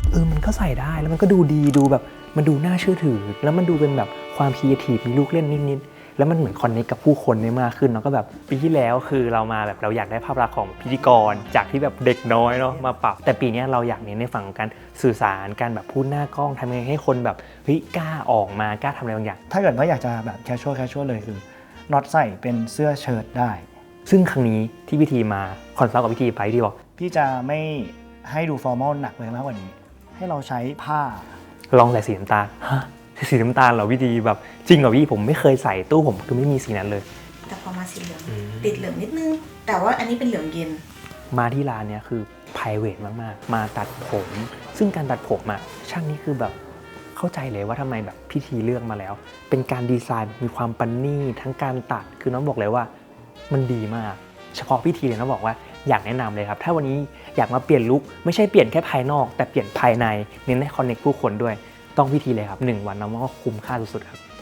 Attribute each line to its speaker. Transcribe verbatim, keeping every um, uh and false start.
Speaker 1: เออมันก็ใส่ได้แล้วมันก็ดูดีดูแบบมันดูน่าเชื่อถือแล้วมันดูเป็นแบบความครีเอทีฟมีลูกเล่นนิดๆแล้วมันเหมือนคอนเนคกับผู้คนได้มากขึ้นเนาะก็แบบปีที่แล้วคือเรามาแบบเราอยากได้ภาพลักษณ์ของพิธีกรจากที่แบบเด็กน้อยเนาะมาปรับแต่ปีนี้เราอยากเน้นในฝั่งของการสื่อสารการแบบพูดหน้ากล้องทำยังไงให้คนแบบเฮ้ยกล้าออกมากล้าทำอะไรบางอย่าง
Speaker 2: ถ้าเกิดว่าอยากจะแบบแคชชวลแคชชวลเลยคือน็อตใส่เป็นเสื้อเชิ้ตได้
Speaker 1: ซึ่งครั้งนี้ที่พิธีมาคอนซัลท์กับพิธีไปที่บอก
Speaker 2: พี่จะไม่ให้ดูฟอร์มอลหนักเลยมากกว่านี้ให้เราใช้ผ้า
Speaker 1: ลองใส่สีน้ำตาลฮะสีน้ำตาลเหรอพี่ดีแบบจริงเหรอพี่ผมไม่เคยใส่ตู้ผมคือไม่มีสีนั้นเลย
Speaker 3: แต่พอมาสีเหลืองติดเหลืองนิดนึงแต่ว่าอันนี้เป็นเหลืองเย็น
Speaker 1: มาที่ร้านเนี้ยคือ private มากๆมาตัดผมซึ่งการตัดผมอะช่างนี้คือแบบเข้าใจเลยว่าทำไมแบบพิธีเลือกมาแล้วเป็นการดีไซน์มีความประณีตทั้งการตัดคือน้องบอกเลยว่ามันดีมากเฉพาะพิธีเลยน้องบอกว่าอยากแนะนำเลยครับถ้าวันนี้อยากมาเปลี่ยนลุคไม่ใช่เปลี่ยนแค่ภายนอกแต่เปลี่ยนภายในเน้นให้คอนเนคผู้คนด้วยต้องพิธีเลยครับหนึ่งวันน้องว่าคุ้มค่าสุดๆครับ